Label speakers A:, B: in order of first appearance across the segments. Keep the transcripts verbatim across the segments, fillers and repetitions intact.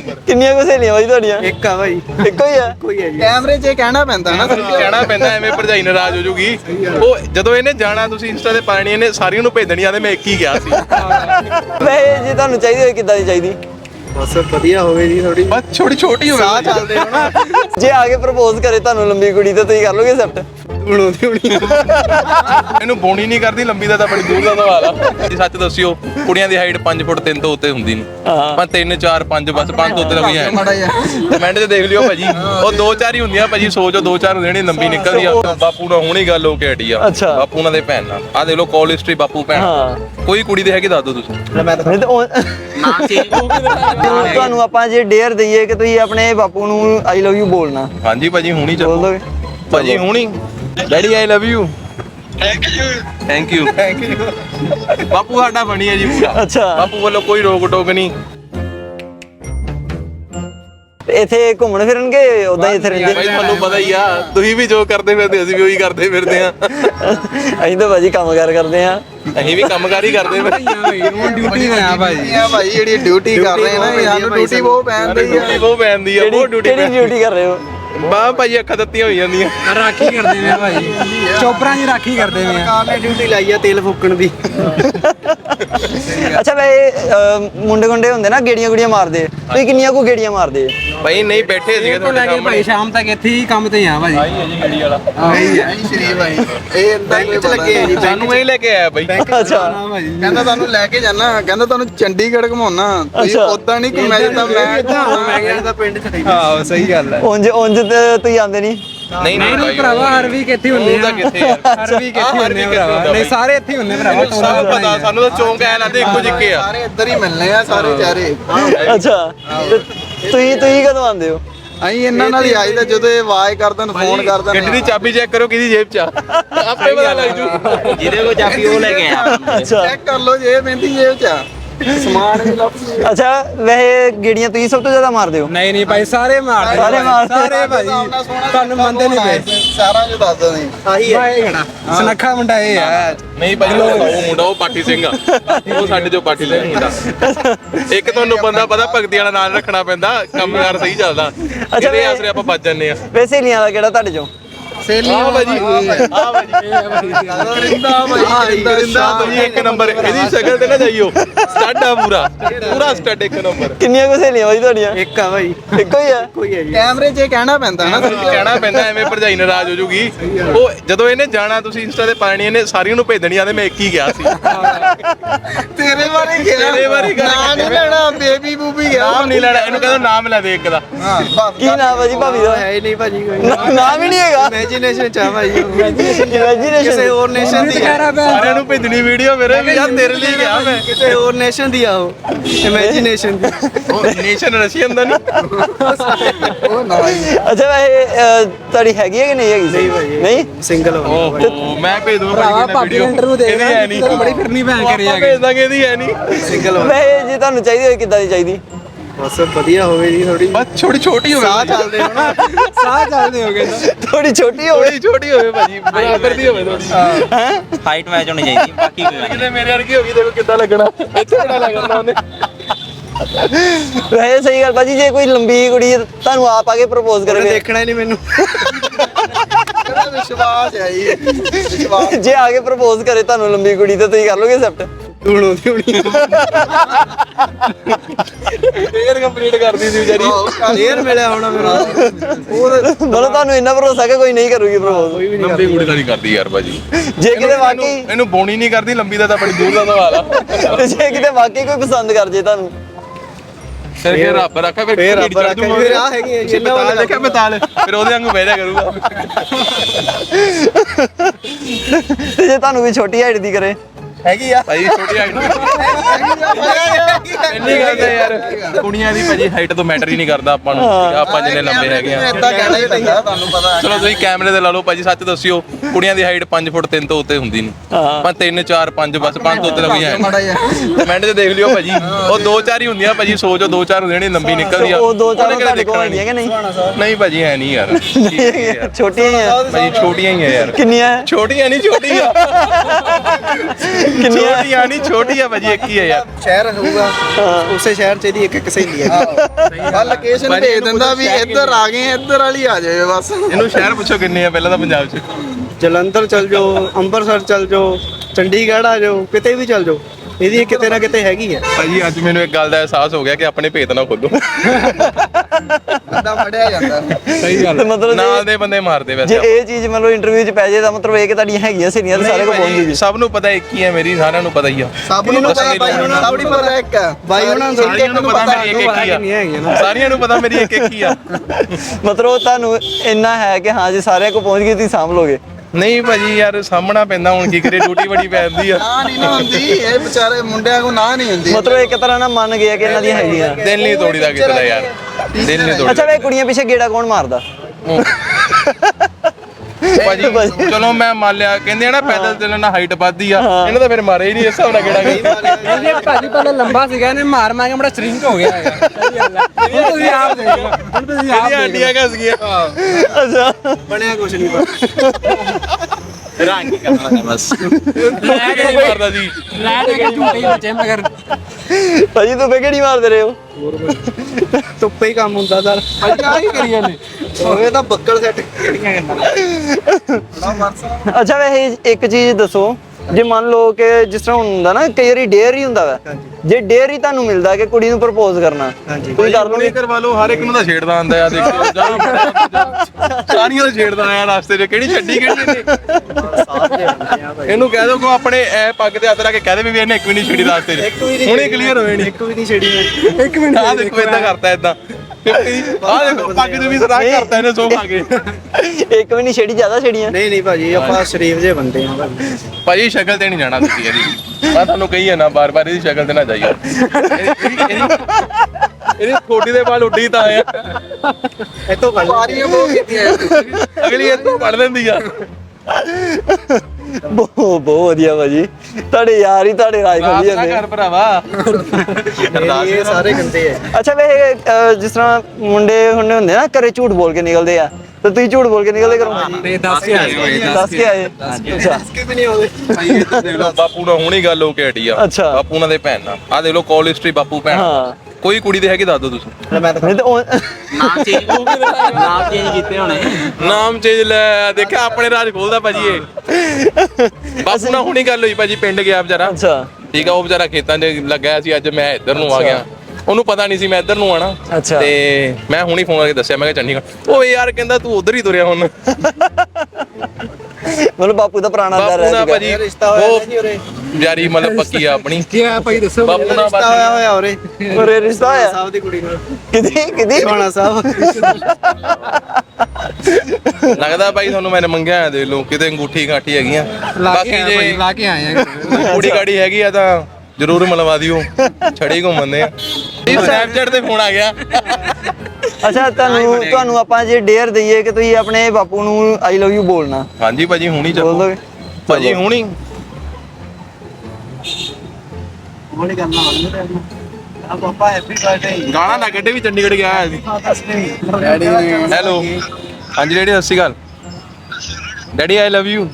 A: ਕਿੰਨੀਆਂ ਕੁ ਸਹੇਲੀਆਂ ਬਾਈ ਤੁਹਾਡੀਆਂ?
B: ਇੱਕ ਆ ਭਾਈ।
A: ਇੱਕੋ ਹੀ ਆ?
B: ਕੋਈ ਹੈ ਜੀ।
C: ਕੈਮਰੇ 'ਚ ਕਹਿਣਾ ਪੈਂਦਾ ਨਾ,
D: ਕਹਿਣਾ ਪੈਂਦਾ, ਐਵੇਂ ਭਰਜਾਈ ਨਾਰਾਜ਼ ਹੋ ਜੂਗੀ। ਉਹ ਜਦੋਂ ਇਹਨੇ ਜਾਣਾ ਤੁਸੀਂ ਇੰਸਟਾ ਤੇ ਪਾਣੀ, ਇਹਨੇ ਸਾਰਿਆਂ ਨੂੰ ਭੇਜਣੀ ਆ ਤੇ ਮੈਂ ਇੱਕ ਹੀ ਗਿਆ ਸੀ।
A: ਵੈਸੇ ਜੇ ਤੁਹਾਨੂੰ ਚਾਹੀਦੀ ਹੋਵੇ ਕਿੱਦਾਂ ਦੀ ਚਾਹੀਦੀ?
B: ਬਸ ਵਧੀਆ ਹੋਵੇ ਜੀ ਥੋੜੀ।
D: ਬਸ ਛੋਟੀ ਛੋਟੀ ਹੋਵੇ।
C: ਸਾਹ ਚੱਲਦੇ ਹੋ ਨਾ।
A: ਜੇ ਆ ਕੇ ਪ੍ਰਪੋਜ਼ ਕਰੇ ਤੁਹਾਨੂੰ ਲੰਬੀ ਕੁੜੀ ਤਾਂ ਤੁਸੀਂ ਕਰ ਲੋਗੇ ਐਕਸੈਪਟ?
B: ਬਣਾਉਂਦੀ ਹੋਣੀ।
D: ਇਹਨੂੰ ਬੋਣੀ ਨਹੀਂ ਕਰਦੀ, ਲੰਬੀ ਦਾ ਤਾਂ ਬੜੀ ਦੂਰ ਦਾ ਸਵਾਲ ਆ। ਜੀ ਸੱਚ ਦੱਸਿਓ, ਕੁੜੀਆਂ ਦੀ ਹਾਈਟ ਪੰਜ ਫੁੱਟ ਤਿੰਨ ਤੋਂ ਉੱਤੇ ਹੁੰਦੀ ਨਹੀਂ।
A: ਹਾਂ।
D: ਪਰ ਤਿੰਨ ਚਾਰ ਪੰਜ ਬਸ ਪੰਜ ਤੋਂ ਉੱਤੇ ਤਾਂ ਕੋਈ ਹੈ ਨਹੀਂ। ਕਮੈਂਟ 'ਚ ਦੇਖ ਲਿਓ ਭਾਜੀ, ਉਹ ਦੋ ਚਾਰ ਹੀ ਹੁੰਦੀਆਂ ਭਾਜੀ, ਸੋਚੋ ਦੋ ਚਾਰ ਹੁੰਦੀਆਂ, ਲੰਬੀ ਨਿਕਲਦੀ ਆ। ਬਾਪੂ ਨਾਲ ਹੁਣੀ ਗੱਲ ਹੋ ਕੇ ਹਟੀ ਆ।
A: ਅੱਛਾ।
D: ਬਾਪੂ ਨਾਲ ਦੇ ਭੈਣ ਨਾਲ ਆ ਦੇਖ ਲਓ, ਕਾਲ ਹਿਸਟਰੀ ਬਾਪੂ ਭੈਣ।
A: ਹਾਂ।
D: ਕੋਈ ਕੁੜੀ ਦੇ ਹੈਗੀ ਦੱਸ ਦਿਓ ਤੁਸੀਂ।
A: ਨਹੀਂ ਤਾਂ ਉਹ- ਤੁਹਾਨੂੰ ਆਪਾਂ ਜੇ ਡੇਅਰ ਦਈਏ ਕਿ ਤੁਸੀਂ ਆਪਣੇ ਬਾਪੂ ਨੂੰ ਆਈ ਲਵ ਯੂ ਬੋਲਣਾ,
D: ਹਾਂਜੀ ਭਾਜੀ ਹੁਣੀ
A: ਬੋਲ
D: ਚੱਲੋ
A: ਦੋਗੇ?
D: ਭਾਜੀ ਹੁਣੀ। Daddy I love you. Thank you thank you thank you. ਬਾਪੂ ਸਾਡਾ ਬਣੀ ਹੈ ਜੀ ਪੂਰਾ।
A: ਅੱਛਾ।
D: ਬਾਪੂ ਵੱਲੋਂ ਕੋਈ ਰੋਕ ਟੋਕ ਨਹੀਂ।
A: ਇੱਥੇ ਘੁੰਮਣ ਫਿਰਨਗੇ ਉਦਾਂ ਹੀ ਇੱਥੇ
D: ਭਾਈ
A: ਰਹਿੰਦੇ?
D: ਤੁਹਾਨੂੰ ਪਤਾ ਹੀ ਆ, ਤੁਸੀਂ ਵੀ ਜੋ ਕਰਦੇ ਫਿਰਦੇ ਅਸੀਂ ਵੀ ਉਹੀ ਕਰਦੇ ਫਿਰਦੇ ਆ।
A: ਅਸੀਂ ਤਾਂ ਭਾਜੀ ਕੰਮ ਕਾਰ ਕਰਦੇ ਆ।
D: ਅਸੀਂ ਵੀ ਕੰਮਕਾਰ ਹੀ ਕਰਦੇ ਫਿਰਦੇ
B: ਹੁਣ ਡਿਊਟੀ ਤੇ ਆ ਭਾਜੀ।
C: ਆ ਭਾਈ ਜਿਹੜੀ ਡਿਊਟੀ ਕਰ ਰਹੇ ਨਾ, ਇਹ ਸਾਨੂੰ ਡਿਊਟੀ ਬਹੁਤ ਪੈਂਦੀ ਆ।
D: ਡਿਊਟੀ ਬਹੁਤ ਪੈਂਦੀ ਆ, ਬਹੁਤ ਡਿਊਟੀ
A: ਕਿਹੜੀ ਡਿਊਟੀ ਕਰ ਰਹੇ ਹੋ?
D: ਬਾਹ ਭਾਜੀ ਅੱਖਾਂ ਦਿੱਤੀਆਂ ਹੋਈ ਜਾਂਦੀਆਂ।
B: ਰਾਖੀ ਕਰਦੇ ਨੇ ਭਾਈ, ਚੋਪਰਾਂ ਦੀ ਰਾਖੀ ਕਰਦੇ ਨੇ।
C: ਸਰਕਾਰ ਨੇ ਡਿਊਟੀ ਲਾਈ ਆ ਤੇਲ ਫੂਕਣ ਦੀ।
A: ਅੱਛਾ ਵੇ ਮੁੰਡੇ ਗੁੰਡੇ ਹੁੰਦੇ ਨਾ ਗੇੜੀਆਂ ਗੁੜੀਆਂ ਮਾਰਦੇ, ਤੁਸੀਂ ਕਿੰਨੀਆਂ ਕੁ ਗੇੜੀਆਂ ਮਾਰਦੇ?
D: ਭਾਈ ਨਹੀਂ ਬੈਠੇ ਸੀਗੇ
B: ਤੋਂ ਲੈ ਕੇ ਭਾਈ ਸ਼ਾਮ ਤੱਕ ਇੱਥੇ ਹੀ ਕੰਮ ਤੇ ਆ ਭਾਜੀ।
D: ਆਈ ਹੈ ਜੀ ਗੱਡੀ ਵਾਲਾ।
C: ਆਹੀ ਹੈ ਸ਼ਰੀਫ ਭਾਈ, ਇਹ ਬੈਂਕ 'ਚ ਲੱਗੇ ਆ ਜੀ।
D: ਸਾਨੂੰ ਇਹ ਲੈ ਕੇ ਆਇਆ ਭਾਈ।
A: ਅੱਛਾ।
C: ਕਹਿੰਦਾ ਤੁਹਾਨੂੰ ਲੈ ਕੇ ਜਾਣਾ, ਕਹਿੰਦਾ ਤੁਹਾਨੂੰ ਚੰਡੀਗੜ੍ਹ ਘੁਮਾਉਣਾ। ਤੁਸੀਂ
A: ਅੱਛਾ।
C: ਉਦਾਂ ਨਹੀਂ ਘੁੰਮਿਆ ਜਿੱਦਾਂ ਮੈਂ ਘੁੰਮਾਉਣਾ।
B: ਮੈਂ ਗਿਆ ਤਾਂ ਪਿੰਡ ਚ। ਹਾਂ ਸਹੀ ਗੱਲ ਹੈ।
A: ਉਂਝ ਉਂਝ ਤੇ ਤੁਸੀਂ ਆਉਂਦੇ ਨਹੀਂ?
D: ਨਹੀਂ ਨਹੀਂ ਭਾਈ
B: ਭਰਾਵਾ ਹਰ ਵੀਕ ਇੱਥੇ ਹੁੰਦੇ ਆ।
D: ਕਿੱਥੇ ਯਾਰ?
B: ਹਰ ਵੀਕ ਇੱਥੇ ਹੁੰਦੇ ਆ ਭਰਾਵਾ। ਨਹੀਂ ਸਾਰੇ ਇੱਥੇ ਹੁੰਦੇ ਭਰਾਵਾ।
D: ਸਭ ਪਤਾ, ਸਾਨੂੰ ਤਾਂ ਚੌਂਕ ਐ ਲੱਗਦਾ ਇੱਕੋ ਜਿੱਕੇ ਆ।
C: ਸਾਰੇ ਇੱਧਰ ਹੀ ਮਿਲਨੇ ਆ ਸਾਰੇ ਚਿਹਰੇ।
A: ਅੱਛਾ। ਤੇ ਤੁਸੀਂ ਤੁਸੀਂ ਕਦੋਂ ਆਉਂਦੇ ਹੋ?
C: ਅਸੀਂ ਇਹਨਾਂ ਨਾਲ ਹੀ ਆਈਦਾ, ਜਦੋਂ ਇਹ ਆਵਾਜ਼ ਕਰ ਦੇਣ, ਫੋਨ ਕਰ ਦੇਣ।
D: ਗੱਡੀ ਦੀ ਚਾਬੀ ਚੈੱਕ ਕਰੋ ਕਿਹਦੀ ਜੇਬ 'ਚ ਆ, ਆਪੇ ਪਤਾ ਲੱਗ ਜੂ।
B: ਜਿਹਦੇ ਕੋਲ ਚਾਬੀ ਉਹ ਲੈ ਕੇ ਆਇਆ।
A: ਅੱਛਾ।
C: ਚੈੱਕ ਕਰ ਲਓ ਜੇ ਮਹਿੰਦੀ ਜੇਬ 'ਚ ਆ। ਸਮਾਨ ਵੀ ਲੱਭ ਲਿਆ।
A: ਅੱਛਾ ਵੈਸੇ ਗੇੜੀਆਂ ਤੁਸੀਂ ਸਭ ਤੋਂ ਜ਼ਿਆਦਾ ਮਾਰਦੇ ਹੋ?
B: ਨਹੀਂ ਨਹੀਂ ਭਾਈ ਸਾਰੇ ਮਾਰਦੇ।
A: ਸਾਰੇ ਮਾਰਦੇ।
B: ਸਾਰੇ ਭਾਈ ਤੁਹਾਨੂੰ ਮੰਨਦੇ ਨਹੀਂ ਪਏ।
C: ਸਾਰਾ ਜੋ ਦੱਸ ਦੋ ਨਹੀਂ
B: ਆਹੀ ਹੈ ਸੁਨੱਖਾ ਮੁੰਡਾ ਇਹ ਆ।
D: ਨਹੀਂ ਭਾਈ ਉਹ ਮੁੰਡਾ ਉਹ ਪਾਠੀ ਸਿੰਘ ਆ, ਉਹ ਸਾਡੇ ਜੋ ਪਾਠੀ ਸਿੰਘ ਮੁੰਡਾ। ਇੱਕ ਤੁਹਾਨੂੰ ਬੰਦਾ ਪਤਾ ਭਗਤੀ ਵਾਲਾ ਨਾਲ ਰੱਖਣਾ ਪੈਂਦਾ, ਕੰਮਕਾਰ ਸਹੀ ਚੱਲਦਾ। ਇਹਦੇ ਆਸਰੇ ਆਪਾਂ ਬਚ ਜਾਂਦੇ ਆ।
A: ਵੈਸੇ ਸਹੇਲੀਆਂ ਦਾ ਕਿਹੜਾ ਤੁਹਾਡੇ ਚੋਂ?
C: ਸੇਲੀ
D: ਆ ਭਾਜੀ ਆ ਭਾਜੀ
C: ਰਿੰਦਾ ਭਾਈ,
D: ਰਿੰਦਾ ਭਾਜੀ ਇੱਕ ਨੰਬਰ। ਇਹਦੀ ਸ਼ਕਲ ਤੇ ਨਾ ਜਾਈਓ, ਸਟੱਡ ਆ ਪੂਰਾ ਪੂਰਾ ਸਟੱਡ ਇੱਕ ਨੰਬਰ।
A: ਕਿੰਨੀਆਂ ਕੁ ਸਹੇਲੀਆਂ ਬਾਈ ਤੁਹਾਡੀਆਂ?
B: ਇੱਕ ਆ ਭਾਈ।
A: ਇੱਕੋ ਹੀ ਆ?
B: ਕੋਈ ਹੈ ਜੀ।
C: ਕੈਮਰੇ 'ਚ ਕਹਿਣਾ ਪੈਂਦਾ ਨਾ।
D: ਕਹਿਣਾ ਪੈਂਦਾ, ਐਵੇਂ ਭਰਜਾਈ ਨਾਰਾਜ਼ ਹੋ ਜੂਗੀ। ਉਹ ਜਦੋਂ ਇਹਨੇ ਜਾਣਾ ਤੁਸੀਂ ਇੰਸਟਾ ਤੇ ਪਾਣੀ, ਇਹਨੇ ਸਾਰਿਆਂ ਨੂੰ ਭੇਜਣੀ ਆ ਤੇ ਮੈਂ ਇੱਕ ਹੀ ਗਿਆ ਸੀ।
C: ਤੇਰੇ ਬਾਰੇ ਗਿਆ,
D: ਤੇਰੇ ਬਾਰੇ ਗੱਲ
C: ਨਾਂ ਨਹੀਂ ਲੈਣਾ, ਬੇਬੀ ਬੂਬੀ ਗਿਆ।
D: ਨਾਮ ਨਹੀਂ ਲੈਣਾ, ਇਹਨੂੰ ਕਹਿੰਦਾ ਨਾਮ ਲੈ ਦੇ ਇੱਕ ਦਾ।
C: ਹਾਂ ਬਸ।
A: ਕੀ ਨਾਮ ਭਾਜੀ ਭਾਬੀ ਦਾ?
B: ਹੈ ਹੀ ਨਹੀਂ ਭਾਜੀ ਕੋਈ।
A: ਨਾ- ਨਾਮ ਹੀ ਨਹੀਂ ਹੈਗਾ।
B: ਇਮੇਜਿਨੇਸ਼ਨ ਚ ਆ ਭਾਈ।
A: Imagination।
B: ਕਿਸੇ ਹੋਰ ਨੇਸ਼ਨ ਦੀ ਆ।
D: ਸਾਰਿਆਂ ਨੂੰ ਭੇਜਣੀ ਵੀਡੀਓ ਮੇਰੇ ਵੀ, ਯਾਰ ਤੇਰੇ ਲਈ ਗਿਆ ਮੈਂ।
B: ਕਿਸੇ ਹੋਰ ਨੇਸ਼ਨ ਦੀ ਆ ਉਹ। ਇਮੇਜਿਨੇਸ਼ਨ ਦੀ।
D: ਉਹ ਨੇਸ਼ਨ ਰਸ਼ੀਅਨ ਦਾ ਨਹੀਂ।
C: ਉਹ ਨਾ ਹੀ।
A: ਅੱਛਾ ਵੈਸੇ ਅਹ, ਤੁਹਾਡੀ ਹੈਗੀ ਹੈ ਕਿ ਨਹੀਂ ਹੈਗੀ? ਨਹੀਂ
B: ਸਿੰਗਲ ਹੋ
D: ਓਹੋ ਮੈਂ ਭੇਜ ਦੂੰਗਾ
B: ਭਰਾਵਾ ਭਾਬੀ ਦਾ ਇੰਟਰਵਿਊ ਦੇ
D: ਇਹਦੀ ਹੈ ਨਹੀਂ।
B: ਬੜੀ ਫਿਰਨੀ ਭੈਣ ਕਰੀ ਆ
D: ਭੇਜ ਦਾਂਗੇ, ਇਹਦੀ ਹੈ ਨਹੀਂ।
B: ਸਿੰਗਲ ਹੋ।
A: ਵੈਸੇ ਜੇ ਤੁਹਾਨੂੰ ਚਾਹੀਦੀ ਹੋਵੇ ਕਿੱਦਾਂ ਦੀ ਚਾਹੀਦੀ?
B: ਬਸ ਵਧੀਆ ਹੋਵੇ ਜੀ ਥੋੜੀ।
D: ਬਸ ਛੋਟੀ ਛੋਟੀ ਹੋਵੇ।
C: ਸਾਹ ਚੱਲਦੇ ਹੋ ਨਾ।
B: ਸਾਹ ਚੱਲਦੇ ਹੋਗੇ ਨਾ।
A: ਥੋੜੀ ਛੋਟੀ ਹੋਵੇ।
D: ਥੋੜੀ ਛੋਟੀ ਹੋਵੇ ਭਾਜੀ, ਬਰਾਬਰ ਦੀ ਹੋਵੇ ਥੋੜੀ।
A: ਹੈਂ?
E: ਹਾਈਟ ਮੈਚ ਹੋਣੀ ਚਾਹੀਦੀ, ਬਾਕੀ ਕੋਈ ਗੱਲ
D: ਕਿਤੇ ਮੇਰੇ ਵਰਗੀ ਹੋ ਗਈ ਦੇਖੋ ਕਿੱਦਾਂ ਲੱਗਣਾ। ਇੱਥੇ ਬੜਾ ਲੱਗਣਾ ਉਹਨੇ।
A: ਵੈਸੇ ਸਹੀ ਗੱਲ ਭਾਜੀ, ਜੇ ਕੋਈ ਲੰਬੀ ਕੁੜੀ ਤੁਹਾਨੂੰ ਆਪ ਆ ਕੇ ਪ੍ਰਪੋਜ਼ ਕਰੇ,
B: ਦੇਖਣਾ ਹੀ ਨਹੀਂ ਮੈਨੂੰ।
C: ਇਹਦਾ ਵਿਸ਼ਵਾਸ ਹੈ ਜੀ, ਵਿਸ਼ਵਾਸ।
A: ਜੇ ਆ ਕੇ ਪ੍ਰਪੋਜ਼ ਕਰੇ ਤੁਹਾਨੂੰ ਲੰਬੀ ਕੁੜੀ ਤਾਂ ਤੁਸੀਂ ਕਰ ਲੋਗੇ ਐਕਸੈਪਟ?
B: ਧੂਣੋ ਦੀ ਹੋਣੀ।
D: ਫੇਰ ਕੰਪਲੀਟ ਕਰਦੀ ਸੀ ਵਿਚਾਰੀ।
B: ਫੇਰ ਮਿਲਿਆ ਹੋਣਾ ਮੇਰਾ।
A: ਮਤਲਬ ਤੁਹਾਨੂੰ ਇੰਨਾ ਭਰੋਸਾ ਕਿ ਕੋਈ ਨਹੀਂ ਕਰੂਗੀ ਪ੍ਰਪੋਜ਼?
D: ਲੰਬੀ ਕੁੜੀ ਤਾਂ ਨਹੀਂ ਕਰਦੀ ਯਾਰ ਭਾਜੀ।
A: ਜੇ ਕਿਤੇ ਵਾਕਈ
D: ਇਹਨੂੰ ਬੋਣੀ ਨਹੀਂ ਕਰਦੀ, ਲੰਬੀ ਦਾ ਤਾਂ ਬੜੀ ਦੂਰ ਦਾ ਸਵਾਲ ਆ।
A: ਜੇ ਕਿਤੇ ਵਾਕਈ ਕੋਈ ਪਸੰਦ ਕਰ ਜੇ ਤੁਹਾਨੂੰ?
D: ਫਿਰ ਫਿਰ ਰੱਬ ਰੱਖਾ, ਫਿਰ
B: ਫੇਰ
D: ਢੀਡ
B: ਰੱਬ
D: ਚੜ੍ਹ
B: ਰੱਖਾ,
D: ਜੂਗਾ।
B: ਫਿਰ ਆਹ ਹੈਗੀ ਹੈ ਜੀ,
D: ਮਿਤਾਲ
B: ਮਿਤਾਲ
D: ਦੇਖਿਆ ਮਿਤਾਲ, ਫਿਰ ਉਹਦੇ ਵਾਂਗੂ ਬਹਿ ਜਾ ਕਰੂਗਾ।
A: ਤੇ ਜੇ ਤੁਹਾਨੂੰ ਕੋਈ ਛੋਟੀ ਹਾਈਟ ਦੀ ਕਰੇ?
C: ਹੈਗੀ ਆ
D: ਭਾਈ ਛੋਟੀ ਹਾਈਟ ਇੰਨੀ ਗੱਲ ਤਾਂ ਯਾਰ ਕੁੜੀਆਂ ਦੀ ਭਾਜੀ ਹਾਈਟ ਤੋਂ ਮੈਟਰ ਹੀ ਨਹੀਂ ਕਰਦਾ ਆਪਾਂ ਨੂੰ, ਆਪਾਂ ਜਿੰਨੇ ਲੰਬੇ ਹੈਗੇ ਆ।
C: ਇਦਾਂ ਕਹਿਣਾ ਹੀ ਪੈਂਦਾ, ਤੁਹਾਨੂੰ ਪਤਾ ਹੈ।
D: ਚਲੋ ਤੁਸੀਂ ਕੈਮਰੇ ਤੇ ਲਾ ਲਓ ਭਾਜੀ, ਸੱਚ ਦੱਸਿਓ ਕੁੜੀਆਂ ਦੀ ਹਾਈਟ ਪੰਜ ਫੁੱਟ ਤਿੰਨ ਤੋਂ ਉੱਤੇ ਹੁੰਦੀ ਨਹੀਂ।
A: ਹਾਂ।
D: ਪਰ ਤਿੰਨ ਚਾਰ ਪੰਜ ਬਸ ਪੰਜ ਤੋਂ ਉੱਤੇ ਤਾਂ ਕੋਈ ਹੈ
C: ਮਾੜਾ ਜਿਹਾ।
D: ਨਹੀਂ। ਕਮੈਂਟ 'ਚ ਦੇਖ ਲਿਓ ਭਾਜੀ, ਉਹ ਦੋ ਚਾਰ ਹੀ ਹੁੰਦੀਆਂ ਭਾਜੀ, ਸੋਚੋ ਦੋ ਚਾਰ ਹੁੰਦੀਆਂ ਜਿਹੜੀਆਂ ਲੰਬੀ ਨਿਕਲਦੀ ਆ।
A: ਉਹ ਦੋ ਚਾਰ
D: ਉਹਨੇ ਕਿਹੜਾ
A: ਤੁਹਾਡੇ ਕੋਲ
D: ਦੇਖਣਾ
A: ਹੈਗੀਆਂ ਕਿ ਨਹੀਂ?
D: ਨਹੀਂ ਭਾਜੀ ਹੈ ਨਹੀਂ ਯਾਰ,
A: ਛੋਟੀਆਂ ਹੀ ਆ
D: ਭਾਜੀ ਛੋਟੀਆਂ ਹੀ ਆ ਯਾਰ।
A: ਕਿੰਨੀਆਂ?
D: ਛੋਟੀਆਂ ਨਹੀਂ ਛੋਟੀਆਂ।
A: ਕਿੰਨੀਆਂ
D: ਛੋਟੀਆਂ ਨਹੀਂ ਛੋਟੀ ਆ ਭਾਜੀ ਇੱਕ ਹੀ ਆ ਯਾਰ
C: ਸ਼ਹਿਰ ਹੋਊਗਾ ਉਸੇ ਸ਼ਹਿਰ ਚ ਇਹਦੀ ਇੱਕ ਇੱਕ ਸਹੇਲੀ ਹੈ ਆ ਲੋਕੇਸ਼ਨ ਭੇਜ ਦਿੰਦਾ ਵੀ ਇੱਧਰ ਆ ਗਏ ਇੱਧਰ ਵਾਲੀ ਆ ਜਾਵੇ ਬਸ
D: ਇਹਨੂੰ ਸ਼ਹਿਰ ਪੁੱਛੋ ਕਿੰਨੇ ਆ ਪਹਿਲਾਂ ਤਾਂ ਪੰਜਾਬ 'ਚ
B: ਜਲੰਧਰ ਚਲ ਜਾਓ, ਅੰਮ੍ਰਿਤਸਰ ਚਲ ਜਾਓ, ਚੰਡੀਗੜ੍ਹ ਆ ਜਾਓ, ਕਿਤੇ ਵੀ ਚਲ ਜਾਓ, ਇਹਦੀ ਕਿਤੇ ਨਾ ਕਿਤੇ ਹੈਗੀ ਹੈ।
D: ਭਾਜੀ ਅੱਜ ਮੈਨੂੰ ਇੱਕ ਗੱਲ ਦਾ ਅਹਿਸਾਸ ਹੋ ਗਿਆ ਕਿ ਆਪਣੇ ਭੇਤ ਨਾ ਖੋਲੋ
C: ਬੰਦਾ ਫੜਿਆ ਜਾਂਦਾ
B: ਸਹੀ ਗੱਲ।
A: ਤੇ ਮਤਲਬ
D: ਨਾਲ
A: ਜੇ-
D: ਦੇ ਬੰਦੇ ਮਾਰਦੇ
A: ਜੇ
D: ਵੈਸੇ
A: ਇਹ ਚੀਜ਼ ਮਤਲਬ ਇੰਟਰਵਿਊ 'ਚ ਪੈ ਜੇ ਤਾਂ ਮਤਲਬ ਇਹ ਕਿ ਤੁਹਾਡੀਆਂ ਹੈਗੀਆਂ ਸਹੇਲੀਆਂ ਤੇ ਸਾਰੇ ਕੋਲ ਪਹੁੰਚ ਜੂਗੀ।
D: ਸਭ ਨੂੰ ਪਤਾ ਇੱਕ ਹੀ ਹੈ ਮੇਰੀ ਸਾਰਿਆਂ ਨੂੰ ਪਤਾ ਹੀ ਆ
C: ਸਭ ਨੂੰ ਪਤਾ ਬਾਈ ਉਹਨਾਂ ਨੂੰ ਪਤਾ ਇੱਕ ਆ
B: ਬਾਈ ਉਹਨਾਂ ਨੂੰ
D: ਸਾਰਿਆਂ ਨੂੰ ਪਤਾ ਮੇਰੀ ਇੱਕ ਇੱਕ ਹੀ
B: ਨਹੀਂ ਹੈਗੀਆਂ
D: ਆ ਸਾਰਿਆਂ ਨੂੰ ਪਤਾ ਮੇਰੀ ਇੱਕ ਇੱਕ ਹੀ ਆ
A: ਮਤਲਬ ਤੁਹਾਨੂੰ ਇੰਨਾ ਹੈ ਕਿ ਹਾਂ ਜੇ ਸਾਰਿਆਂ ਕੋਲ ਪਹੁੰਚ ਗਈ ਤੁਸੀਂ ਸਾਂਭ ਲੋਗੇ।
D: ਨਹੀਂ ਭਾਜੀ ਯਾਰ ਸਾਹਮਣਾ ਪੈਂਦਾ ਹੁਣ ਕੀ ਕਰੇ ਡਿਊਟੀ ਬੜੀ ਪੈਂਦੀ ਆ
C: ਨਾ ਨਹੀਂ ਨਾ ਹੁੰਦੀ ਇਹ ਵਿਚਾਰੇ ਮੁੰਡਿਆਂ ਕੋ ਨਾ ਨਹੀਂ ਹੁੰਦੀ
A: ਮਤਲਬ ਇੱਕ ਤਰ੍ਹਾਂ ਨਾਲ ਮੰਨ ਗਿਆ ਕਿ ਇਹਨਾਂ ਦੀਆਂ ਹੈਗੀਆਂ।
D: ਦਿਲ ਨਹੀਂ ਤੋੜੀਦਾ ਕਿਸੇ ਦਾ ਯਾਰ ਦਿਲ ਨਹੀਂ ਤੋੜੀਦਾ
A: ਅੱਛਾ ਵੇ ਕੁੜੀਆਂ ਪਿੱਛੇ ਗੇੜਾ ਕੌਣ ਮਾਰਦਾ?
D: ਭਾਜੀ ਚਲੋ ਮੈਂ ਮੰਨ ਲਿਆ ਕਹਿੰਦੇ ਆ ਨਾ ਪੈਦਲ ਚੱਲਣ ਨਾਲ ਹਾਈਟ ਵੱਧਦੀ ਆ ਇਹਨਾਂ ਤਾਂ ਫਿਰ ਮਾਰੇ ਹੀ ਨਹੀਂ ਇਸ ਹਿਸਾਬ ਨਾਲ ਕਿਹੜਾ ਗਈ
B: ਇਹ ਭਾਜੀ ਪਹਿਲਾਂ ਲੰਬਾ ਸੀਗਾ ਇਹਨੇ ਮਾਰ ਮਾਰ ਕੇ ਬੜਾ ਸ਼ਰਿੰਕ ਹੋ ਗਿਆ ਹੈਗਾ। ਸਹੀ ਗੱਲ ਹੈ। ਹੁਣ ਤੁਸੀਂ ਆਪ ਦੇਖ ਲਓ, ਹੁਣ ਤੁਸੀਂ ਆਪ
D: ਇਹਦੀਆਂ
B: ਦੇਖ
D: ਹੱਡੀਆਂ ਘਸ ਗਈਆਂ
A: ਅੱਛਾ
B: ਬਣਿਆ ਕੁਛ ਨਹੀਂ ਪਰ
E: ਰੰਗ ਕਰਨਾ ਬਸ
D: ਲੈ ਕੇ ਮਾਰਦਾ ਜੀ
B: ਲੈ ਦੇ ਕੇ ਝੂਠੇ ਹੀ ਬੱਚੇ ਮਗਰ
A: ਭਾਜੀ ਤੂੰ ਕਿਹੜੀ ਮਾਰਦੇ ਰਹੇ ਹੋ?
B: ਧੁੱਪੇ ਹੀ ਕੰਮ ਹੁੰਦਾ ਸਰ। ਭਾਜੀ ਆ ਕੀ ਕਰੀ ਜਾਂਦੇ?
C: ਹੋਵੇ ਤਾਂ ਬੱਕਲ ਸੈੱਟ ਕਿਹੜੀਆਂ ਗੱਲਾਂ
A: ਅੱਛਾ ਵੈਸੇ ਇੱਕ ਚੀਜ਼ ਦੱਸੋ, ਜੇ ਮੰਨ ਲਓ ਕਿ ਜਿਸ ਤਰ੍ਹਾਂ ਹੁੰਦਾ ਨਾ ਕਈ ਵਾਰੀ ਡੇਅਰ ਹੀ ਹੁੰਦਾ ਵਾ, ਜੇ ਡੇਅਰ ਹੀ ਤੁਹਾਨੂੰ ਮਿਲਦਾ ਕਿ ਕੁੜੀ ਨੂੰ ਪ੍ਰਪੋਜ਼ ਕਰਨਾ ਕੋਈ ਕਰ ਲਓਗੇ?
D: ਕਰਵਾ ਲਓ ਹਰ ਇੱਕ ਨੂੰ ਤਾਂ ਛੇੜਦਾ ਆਂਦਾ ਆ ਦੇਖੋ ਜਾ ਸਾਰੀਆਂ ਦਾ ਛੇੜਦਾ ਆਇਆ ਰਸਤੇ 'ਚ ਕਿਹੜੀ ਛੱਡੀ ਕਿਹੜੀ ਇਹਨੇ ਇਹਨੂੰ ਕਹਿ ਦੋ ਕੋ ਆਪਣੇ ਐ ਪੱਗ ਤੇ ਹੱਥ ਲਾ ਕੇ ਕਹਿ ਦੇ ਵੀ ਇਹਨੇ ਇੱਕ ਵੀ ਨਹੀਂ ਛੇੜੀ ਰਸਤੇ 'ਚ ਹੁਣੇ ਕਲੀਅਰ ਹੋਏ ਨਹੀਂ
B: ਇੱਕ ਵੀ ਨਹੀਂ ਛੇੜੀ ਮੈਂ। ਇੱਕ ਮਿੰਟ
D: ਆਹ ਦੇਖੋ ਇਦਾਂ ਕਰਦਾ ਇਦਾਂ ਆਹ ਦੇਖੋ ਪੱਗ ਤੇ ਵੀ ਸਰਾਖ ਕਰਤਾ ਇਹਨੇ ਸੋ ਖਾ ਕੇ
A: ਇੱਕ ਵੀ ਨਹੀਂ ਛੇੜੀ, ਜ਼ਿਆਦਾ ਛੇੜੀਆਂ।
B: ਨਹੀਂ ਨਹੀਂ ਭਾਜੀ ਆਪਾਂ ਸ਼ਰੀਫ ਜਿਹੇ ਬੰਦੇ ਆ ਭਾਜੀ।
D: ਭਾਜੀ ਸ਼ਕਲ ਤੇ ਨਹੀਂ ਜਾਣਾ ਤੁਸੀਂ ਇਹਦੀ ਮੈਂ ਤੁਹਾਨੂੰ ਕਹੀ ਹੈ ਨਾ ਬਾਰ ਬਾਰ ਇਹਦੀ ਸ਼ਕਲ ਤੇ ਨਾ ਜਾਈਓ ਇਹਦੀ ਥੋੜੀ ਦੇ ਵਾਲ ਉੱਡੀ ਤਾਂ ਆਇਆ
B: ਇੱਥੋਂ ਗੱਲ
C: ਵਾਰੀਆਂ ਬਹੁਤ ਕੀਤੀਆਂ
D: ਅਗਲੀ ਇਹਨੂੰ ਪੜ ਲੈਂਦੀ ਆ
A: ਬਹੁਤ ਬਹੁਤ ਵਧੀਆ ਭਾਜੀ, ਤੁਹਾਡੇ ਯਾਰ ਹੀ ਤੁਹਾਡੇ ਰਾਜ ਖੋਲੀ
D: ਰਾਤ ਨਾ
A: ਜਾਂਦੇ।
D: ਘਰ ਭਰਾਵਾ
B: ਇਹ ਸਾਰੇ ਗੰਦੇ ਆ।
A: ਅੱਛਾ ਵੈਸੇ ਅਹ, ਜਿਸ ਤਰ੍ਹਾਂ ਮੁੰਡੇ ਹੁੰਦੇ ਹੁੰਦੇ ਨਾ ਘਰੇ ਝੂਠ ਬੋਲ ਕੇ ਨਿਕਲਦੇ ਆ, ਤੇ ਤੁਸੀਂ ਝੂਠ ਬੋਲ ਕੇ ਨਿਕਲਦੇ ਕਰੋ?
B: ਤੇ ਦੱਸ ਕੇ ਆਏ
A: ਦੱਸ ਕੇ ਆਏ? ਅੱਛਾ
B: ਕਿ ਵੀ ਨਹੀਂ ਆਉਂਦੇ।
D: ਦੇਖ ਲਓ ਬਾਪੂ ਨਾਲ ਹੁਣੀ ਗੱਲ ਹੋ ਕੇ ਹਟੀ ਆ
A: ਅੱਛਾ।
D: ਬਾਪੂ ਨਾਲ ਦੇ ਭੈਣ ਨਾਲ ਆ ਦੇਖ ਲਓ ਕਾਲ ਹਿਸਟਰੀ ਬਾਪੂ ਭੈਣ
A: ਹਾਂ।
D: ਕੋਈ ਕੁੜੀ ਦੇ ਹੈਗੀ ਦੱਸ ਦਿਓ ਤੁਸੀਂ
B: ਮੈਂ ਤਾਂ
A: ਨਹੀਂ ਤਾਂ ਉਹ-
E: ਨਾਮ ਚੇਂਜ ਨਾਮ ਚੇਂਜ ਕੀਤੇ ਹੋਣੇ
D: ਨਾਮ ਚੇਂਜ ਲੈ ਦੇਖਿਆ ਆਪਣੇ ਰਾਜ ਖੋਲਦਾ ਭਾਜੀ ਇਹ ਬਾਪੂ ਨਾਲ ਹੁਣੀ ਗੱਲ ਹੋਈ ਭਾਜੀ ਪਿੰਡ ਗਿਆ ਵਿਚਾਰਾ
A: ਅੱਛਾ
D: ਠੀਕ ਆ ਉਹ ਵਿਚਾਰਾ ਖੇਤਾਂ 'ਚ ਲੱਗਾ ਸੀ ਅੱਜ ਮੈਂ ਇੱਧਰ ਨੂੰ ਆ ਗਿਆ ਉਹਨੂੰ ਪਤਾ ਨਹੀਂ ਸੀ ਮੈਂ ਇੱਧਰ ਨੂੰ ਆਣਾ
A: ਅੱਛਾ।
D: ਤੇ ਮੈਂ ਹੁਣੀ ਫੋਨ ਕਰਕੇ ਦੱਸਿਆ ਮੈਂ ਕਿਹਾ ਚੰਡੀਗੜ੍ਹ ਓਏ ਯਾਰ ਕਹਿੰਦਾ ਤੂੰ ਉਧਰ ਹੀ ਤੁਰਿਆ ਹੁਣ
A: ਮਤਲਬ ਬਾਪੂ ਦਾ ਪੁਰਾਣਾ ਦਰ
D: ਬਾਪੂ
A: ਹੈ
D: ਨਾਲ ਭਾਜੀ
B: ਰਿਸ਼ਤਾ ਹੋਇਆ
D: ਉਹ
B: ਜੀ ਉਰੇ।
D: ਯਾਰੀ ਮਤਲਬ ਪੱਕੀ ਆ ਆਪਣੀ
B: ਕੀ ਆ ਭਾਈ ਦੱਸੋ?
D: ਬਾਪੂ ਨਾਲ
B: ਰਿਸ਼ਤਾ ਹੋਇਆ ਹੋਇਆ ਉਰੇ
A: ਉਰੇ ਰਿਸ਼ਤਾ ਹੋਇਆ
B: ਸਾਹਿਬ ਦੀ ਕੁੜੀ ਨਾਲ
A: ਕਿਦੀ ਕਿਦੀ?
B: ਸੋਹਣਾ ਸਾਹਿਬ।
D: ਲੱਗਦਾ ਭਾਈ ਤੁਹਾਨੂੰ ਮੈਨੇ ਮੰਗਿਆ ਦੇ ਲੋ ਕਿਤੇ ਅੰਗੂਠੀ ਗਾਠੀ ਹੈਗੀਆਂ
B: ਲਾ ਕੇ
D: ਬਾਕੀ
B: ਆਏ ਭਾਈ
D: ਜੇ
B: ਲਾ ਕੇ ਆਏ ਆ।
D: ਕੁੜੀ ਗਾੜੀ ਹੈਗੀ ਆ ਤਾਂ ਜ਼ਰੂਰ ਮਿਲਵਾ ਦਿਓ ਛੜੀ ਘੁੰਮਦੇ ਆ ਇਹ ਸਨੈਪਚੈਟ ਤੇ ਫੋਨ ਆ ਗਿਆ
A: ਅੱਛਾ ਤੁਹਾਨੂੰ ਤੁਹਾਨੂੰ ਆਪਾਂ ਜੇ ਡੇਅਰ ਦਈਏ ਕਿ ਤੁਸੀਂ ਆਪਣੇ ਬਾਪੂ ਨੂੰ ਆਈ ਲਵ ਯੂ ਬੋਲਣਾ,
D: ਹਾਂਜੀ ਭਾਜੀ ਹੁਣੀ
A: ਬੋਲ
D: ਚੱਲੋ
A: ਦੋਗੇ?
D: ਭਾਜੀ ਹੁਣੀ
B: ਉਹਨੇ ਕਰਨਾ ਮੰਨਦੇ ਆ ਪਾਪਾ ਹੈਪੀ ਬਰਥਡੇ।
D: ਗਾਣਾ ਨਾ ਕੱਢੇ ਵੀ ਚੰਡੀਗੜ੍ਹ ਗਿਆ ਹੋਇਆ ਸੀ ਹੈਲੋ ਹਾਂਜੀ ਡੈਡੀ ਸਤਿ ਸ਼੍ਰੀ ਅਕਾਲ daddy I love you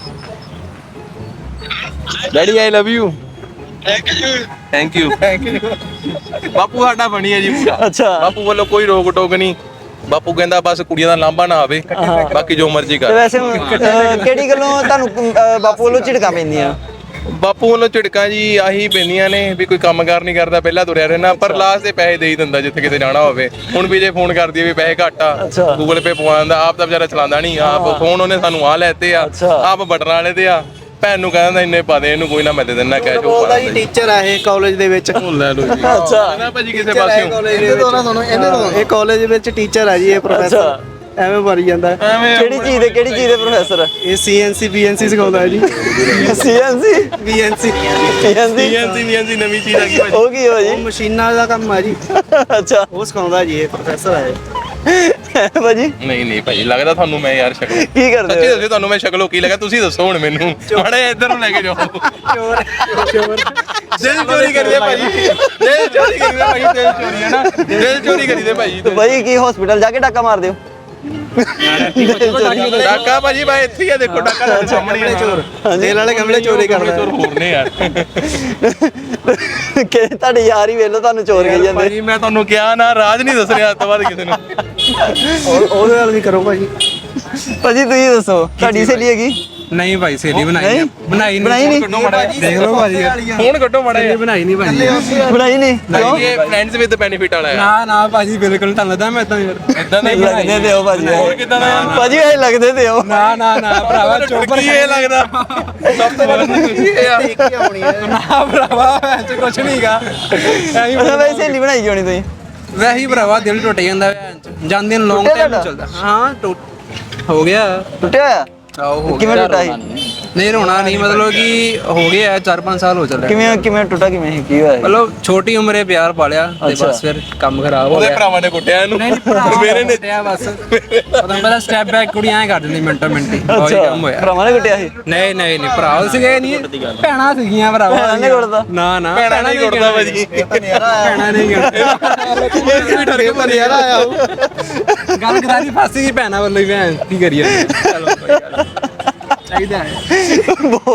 D: daddy I love you thank you thank you ਬਾਪੂ ਸਾਡਾ ਬਣੀ ਹੈ ਜੀ ਪੂਰਾ
A: ਅੱਛਾ।
D: ਬਾਪੂ ਵੱਲੋਂ ਕੋਈ ਰੋਕ ਟੋਕ ਨਹੀਂ ਬਾਪੂ ਕਹਿੰਦਾ ਬਸ ਕੁੜੀਆਂ ਦਾ ਲਾਂਭਾ ਨਾ ਆਵੇ ਬਾਕੀ ਜੋ ਮਰਜ਼ੀ
A: ਤੇ
D: ਕਰ
A: ਵੈਸੇ ਅਹ, ਕਿਹੜੀ ਗੱਲੋਂ ਤੁਹਾਨੂੰ ਅਹ, ਬਾਪੂ ਵੱਲੋਂ ਝਿੜਕਾਂ ਪੈਂਦੀਆਂ?
D: ਬਾਪੂ ਵੱਲੋਂ ਝਿੜਕਾਂ ਜੀ ਆਹੀ ਪੈਂਦੀਆਂ ਨੇ ਵੀ ਕੋਈ ਕੰਮਕਾਰ ਨਹੀਂ ਕਰਦਾ ਪਹਿਲਾਂ ਤੁਰਿਆ ਰਹਿਣਾ ਪਰ ਲਾਸਟ ਤੇ ਪੈਸੇ ਦੇ ਹੀ ਦਿੰਦਾ ਜਿੱਥੇ ਕਿਤੇ ਜਾਣਾ ਹੋਵੇ ਹੁਣ ਵੀ ਜੇ ਫੋਨ ਕਰਦੀ ਵੀ ਪੈਸੇ ਘੱਟ ਆ
A: ਅੱਛਾ।
D: ਗੂਗਲ ਪੇ ਪਵਾ ਦਿੰਦਾ ਆਪ ਤਾਂ ਵਿਚਾਰਾ ਚਲਾਉਂਦਾ ਨਹੀਂ ਆਪ ਫੋਨ ਉਹਨੇ ਸਾਨੂੰ ਆ ਲੈਤੇ ਆ
A: ਅੱਛਾ।
D: ਆਪ ਬਟਨ ਵਾਲੇ ਤੇ ਆ ਭੈਣ ਨੂੰ ਕਹਿੰਦਾ ਇੰਨੇ ਪਾ ਦੇ ਇਹਨੂੰ ਕੋਈ ਨਾ ਮੈਂ ਦੇ ਦਿੰਦਾ ਕੈਸ਼ ਉਹ
B: ਉਹਦਾ
D: ਪਾ
B: ਹੀ
D: ਦਿੰਦਾ
B: ਟੀਚਰ ਆ ਇਹ ਕਾਲਜ ਦੇ ਵਿੱਚ।
D: ਉਹ ਲੈ ਲਓ ਜੀ
A: ਅੱਛਾ।
D: ਨਾ ਭਾਜੀ ਕਿਸੇ ਪਾਸਿਓਂ
C: ਇਹਦੇ ਤੋਂ ਨਾ ਤੁਹਾਨੂੰ ਇਹਦੇ ਤੋਂ
B: ਇਹ ਕਾਲਜ ਵਿੱਚ ਟੀਚਰ ਆ ਜੀ ਇਹ ਪ੍ਰੋਫੈਸਰ।
A: ਅੱਛਾ।
B: ਐਵੇਂ ਮਰੀ ਜਾਂਦਾ ਹੈ।
D: ਐਵੇਂ
A: ਕਿਹੜੀ ਚੀਜ਼ ਦੇ ਕਿਹੜੀ ਚੀਜ਼ ਦੇ ਪ੍ਰੋਫੈਸਰ?
B: ਇਹ ਸੀਐਨਸੀ ਬੀਐਨਸੀ ਸਿਖਾਉਂਦਾ ਹੈ ਜੀ।
A: CNC
B: BNC
A: CNC
D: CNC VNC ਨਵੀਂ ਚੀਜ਼ ਆ ਗਈ ਭਾਜੀ
A: ਉਹ ਕੀ ਹੋ
B: ਉਹ
A: ਜੀ?
B: ਮਸ਼ੀਨਾਂ ਦਾ ਕੰਮ ਆ ਜੀ।
A: ਅੱਛਾ
B: ਉਹ ਸਿਖਾਉਂਦਾ ਜੀ ਇਹ ਪ੍ਰੋਫੈਸਰ ਹੈ।
A: ਭਾਜੀ
D: ਨਹੀਂ ਨਹੀਂ ਭਾਜੀ ਲੱਗਦਾ ਤੁਹਾਨੂੰ ਮੈਂ ਯਾਰ ਸ਼ਕਲ
A: ਕੀ ਕਰਦੇ
D: ਸੱਚੀ
A: ਹੋ?
D: ਦੱਸੋ ਤੁਹਾਨੂੰ ਮੈਂ ਸ਼ਕਲੋਂ ਕੀ ਲੱਗਾ ਤੁਸੀਂ ਦੱਸੋ ਹੁਣ ਮੈਨੂੰ ਮਾੜੇ ਇੱਧਰ ਨੂੰ ਲੈ ਕੇ ਜਾਓ
B: ਚੋਰ ਚੋਰ
D: ਦਿਲ ਚੋਰੀ ਕਰੀਦੇ ਭਾਜੀ ਦਿਲ ਚੋਰੀ ਕਰੀਦੇ ਭਾਜੀ ਦਿਲ ਚੋਰੀ ਹੈ ਨਾ ਦਿਲ ਚੋਰੀ ਕਰੀਦੇ ਭਾਜੀ
A: ਤੇ ਭਾਈ ਕੀ ਹਸਪੀਟਲ ਜਾ ਕੇ ਡਾਕਾ ਮਾਰਦੇ ਹੋ?
D: ਡਾਕਾ ਭਾਜੀ ਮੈਂ ਇੱਥੇ ਹੀ ਆ, ਦੇਖੋ ਡਾਕਾ ਤੁਹਾਡੇ ਸਾਹਮਣੇ
B: ਗਮਲੇ
D: ਆ।
B: ਚੋਰ ਤੇਲ ਵਾਲੇ ਗਮਲੇ ਚੋਰੀ ਕਰਦਾ
D: ਚੋਰ ਹੋਰ ਨੇ ਯਾਰ
A: ਕਿ ਤੁਹਾਡੇ ਯਾਰ ਹੀ ਵੇਲੋ ਤੁਹਾਨੂੰ ਚੋਰ ਕਹੀ ਜਾਂਦੇ।
D: ਭਾਜੀ ਮੈਂ ਤੁਹਾਨੂੰ ਕਿਹਾ ਨਾ, ਰਾਜ ਨਹੀਂ ਦੱਸਣਾ ਅੱਜ ਤੋਂ ਬਾਅਦ ਕਿਸੇ ਨੂੰ।
B: ਉਹ- ਉਹਦੇ ਨਾਲ ਵੀ ਕਰੋ ਭਾਜੀ।
A: ਭਾਜੀ ਤੁਸੀਂ ਦੱਸੋ ਤੁਹਾਡੀ ਸਹੇਲੀ ਹੈਗੀ?
F: ਨਹੀਂ ਭਾਈ ਸਹੇਲੀ ਬਣਾਈ
A: ਨਹੀਂ?
F: ਨਹੀਂ ਬਣਾਈ
A: ਬਣਾਈ ਨਹੀਂ?
F: ਕੱਢੋ ਮਾੜਾ ਜਿਹਾ। ਦੇਖ ਲਓ ਭਾਜੀ
D: ਫੋਨ ਕੱਢੋ ਮਾੜਾ ਜਿਹਾ।
F: ਬਣਾਈ ਨਹੀਂ ਭਾਜੀ
A: ਬਣਾਈ ਨਹੀਂ ਕਿਉਂ?
D: ਇਹ ਫਰੈਂਡਸ ਵਿਦ ਬੈਨੀਫਿਟ ਵਾਲਾ ਹੈ।
F: ਨਾ ਨਾ ਭਾਜੀ ਬਿਲਕੁਲ ਤੁਹਾਨੂੰ ਲੱਗਦਾ ਮੈਂ ਤਾਂ ਯਾਰ
D: ਇਦਾਂ ਦਾ ਹੀ
A: ਲੱਗਦੇ ਤੇ ਹੋ ਭਾਜੀ
D: ਹੋਰ ਕਿੱਦਾਂ ਦਾ ਯਾਰ?
A: ਭਾਜੀ ਇਹ ਲੱਗਦੇ ਤੇ ਹੋ।
F: ਨਾ ਨਾ ਨਾ ਭਰਾਵਾ ਚੋਪਰ
D: ਕੀ ਇਹ ਲੱਗਦਾ ਸਭ ਤੋਂ ਵੱਧ ਕੀ ਇਹ ਆ
B: ਦੇਖ ਕੇ ਆਉਣੀ ਹੈ।
F: ਨਾ ਭਰਾਵਾ ਐਸੇ ਕੁਛ ਨਹੀਂਗਾ ਐਵੇਂ
A: ਅੱਛਾ ਵੈਸੇ ਸਹੇਲੀ ਬਣਾਈ ਕਿਉਂ ਨਹੀਂ ਤੁਸੀਂ?
F: ਵੈਸੇ ਹੀ ਭਰਾਵਾ ਦਿਲ ਟੁੱਟ ਜਾਂਦਾ ਵੈਸੇ ਜਾਂਦੇ ਨੂੰ ਲੌਂਗ
A: ਟੁੱਟਿਆ
F: ਟਾਈਮ
A: ਤੁਹਾਡਾ?
F: ਚੱਲਦਾ ਹਾਂ ਟੁੱਟ ਹੋ ਗਿਆ
A: ਟੁੱਟਿਆ ਹੋਇਆ?
F: ਆਓ ਹੋ
A: ਕਿਵੇਂ
F: ਗਿਆ
A: ਟੁੱਟਾ ਸੀ?
F: ਨਹੀਂ ਰੋਣਾ ਨਹੀਂ ਮਤਲਬ ਕਿ ਹੋ ਗਿਆ ਚਾਰ ਪੰਜ ਸਾਲ ਹੋ ਚੱਲੇ
A: ਕਿਵੇਂ ਕਿਵੇਂ ਟੁੱਟਾ ਕਿਵੇਂ ਸੀ? ਕੀ ਹੋਇਆ ਸੀ?
F: ਮਤਲਬ ਛੋਟੀ ਉਮਰੇ ਪਿਆਰ ਪਾਲਿਆ ਤੇ
A: ਅੱਛਾ।
F: ਬਸ ਫਿਰ ਕੰਮ ਖਰਾਬ ਹੋ
D: ਉਹਦੇ
F: ਗਿਆ
D: ਭਰਾਵਾਂ ਨੇ ਕੁੱਟਿਆ ਇਹਨੂੰ ਮੇਰੇ ਨੇ
F: ਕੁੱਟਿਆ ਬਸ ਪਤਾ ਪਤਾ ਸਟੈਪ ਬੈਕ ਕੁੜੀਆਂ ਐ ਕਰ ਦਿੰਦੀ ਮਿੰਟੋ ਮਿੰਟੀ ਉਹੀ
A: ਅੱਛਾ
F: ਕੰਮ ਹੋਇਆ
A: ਭਰਾਵਾਂ ਨੇ ਕੁੱਟਿਆ ਸੀ?
F: ਨਹੀਂ ਨਹੀਂ ਨਹੀਂ ਭਰਾ ਸੀਗੇ ਨਹੀਂ ਭੈਣਾਂ ਸੀਗੀਆਂ ਭਰਾਵਾ
A: ਭੈਣਾਂ ਨੇ ਕੁੱਟਦਾ?
F: ਨਾ ਨਾ
D: ਭੈਣਾਂ ਨਹੀਂ ਕੁੱਟਦਾ ਭਾਜੀ।
F: ਭੈਣਾਂ ਨਹੀਂ ਕੁੱਟਦਾ
B: ਨਜ਼ਾਰਾ ਆਇਆ ਉਹ।
F: ਗੱਲ ਕਰਾਰੀ ਫਾਸੀ ਗਈ ਭੈਣਾਂ ਵੱਲੋਂ ਹੀ ਭੈਣ ਕੀ ਕਰੀਏ ਚਲੋ ਕੋਈ ਗੱਲ ਨੀ। ਚਾਹੀਦਾ ਹੈ